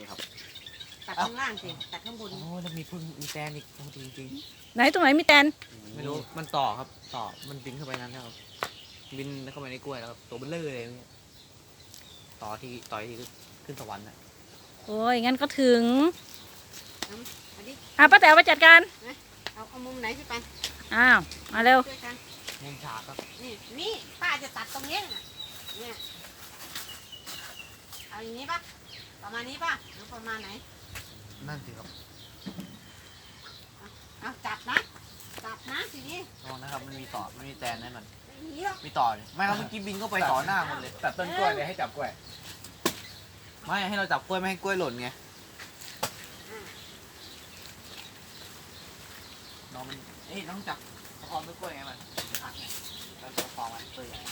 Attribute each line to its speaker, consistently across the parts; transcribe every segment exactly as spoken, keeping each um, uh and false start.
Speaker 1: ครับ
Speaker 2: ตัดข้างล่างสิตัดข้างบน
Speaker 3: โอ้แล้วมีพึ่งมีแตนอีกโอ้จริงจริง
Speaker 4: ไหนตรงไหนมีแตน
Speaker 3: ไม่รู้มันต่อครับต่อมันบินเข้าไปนั้นนะครับบินเข้าไปในกล้วยแล้วครับตัวเบลเลอร์เลยเนี่ยต่อที่ต่อยที่ขึ้นสวรรค์นะ
Speaker 4: โอ้ยงั้นก็ถึง
Speaker 2: มาดิ
Speaker 4: อ่ะป้าแต๋วไปจัดการ
Speaker 2: เอาเอามุมไหนพี่ปัน
Speaker 4: อ้าวมาเร็ว
Speaker 2: ช่วยกัน
Speaker 3: มุมฉากครับ
Speaker 2: นี่นี่ป้าจะตัดตรงนี้น่ะเนี่ยเอาอย่างนี้ปะประมาณนี้ปะหรือประมาณไหน
Speaker 3: นั่นสิครับ
Speaker 2: เอาจับนะจับนะทีนี้
Speaker 3: ระวังนะครับมันมีต่อมันมีแตนนั่นมัน
Speaker 2: ไม่หนีหรอก
Speaker 3: มีต่อเนี่ยไม่ครับเมื่อกี้บินเข้าไปต่อหน้าหมดเลย
Speaker 1: ตัดต้นกล้วยเลยให้จับกล้วย
Speaker 3: ไม่ให้เราจับกล้วยไม่ให้กล้วยหล่นไงน้องมันเอ้ยน้องจับประคองต้นกล้วยไงมันหักไงเราจะประคองมันตัวใหญ่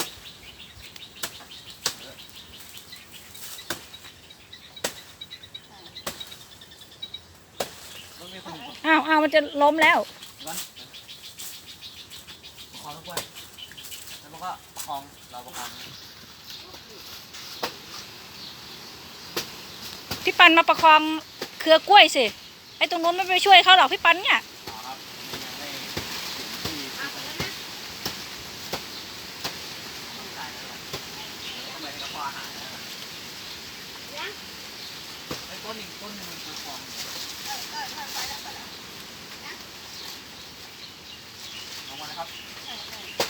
Speaker 3: ต้องมีคน
Speaker 4: อ้าวอ้าวมันจะล้มแล้ว
Speaker 3: วันประคองต้นกล้วยแล้วมันก็ประคองเราประคอง
Speaker 4: พี่ปันมาประคองเครือกล้วยสิไอ้ตรงนู้นไม่ไปช่วยเขาหรอกพี่ปันเนี่ย
Speaker 3: ต่อครับยังไม่ถึงที่
Speaker 2: เอาไปแล้วนะ
Speaker 3: ต้องการแล้วหรอกทำไมกระเพาะอาหารนะครับ
Speaker 2: ยัง
Speaker 3: ไอ้ต้นอีกต้นหนึงมันประคอง
Speaker 2: เออเออเออไปแล้วไปแล้ว
Speaker 3: ลงมาเลยครับ
Speaker 2: เออเออ